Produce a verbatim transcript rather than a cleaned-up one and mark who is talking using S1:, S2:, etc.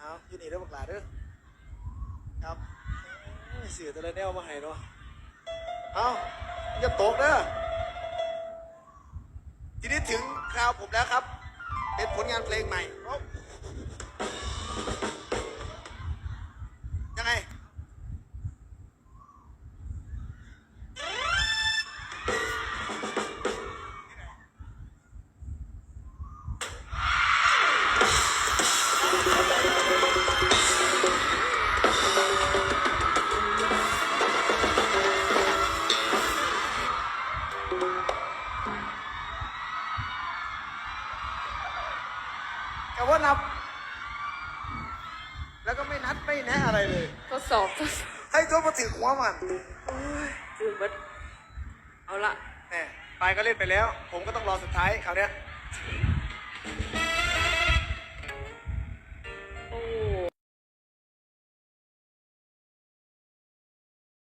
S1: เอาอยู่นี่เด้อบักหลาเด้อครับเสือตัวละแนวมาให้เนาะเอาอย่าตกเด้อทีนี้ถึงคราวผมแล้วครับเป็นผลงานเพลงใหม่ยังไงแต่ว่านับแล้วก็ไม่นัดไม่แนะอะไรเลย
S2: ทดสอบทดสอบ
S1: ให้ตัวมาถึงหัวมัน
S2: โอ้ยตื่นเบัดเอาละ
S1: แหมปลายก็เล่นไปแล้ว ผมก็ต้องรอสุดท้ายคราวเนี้ย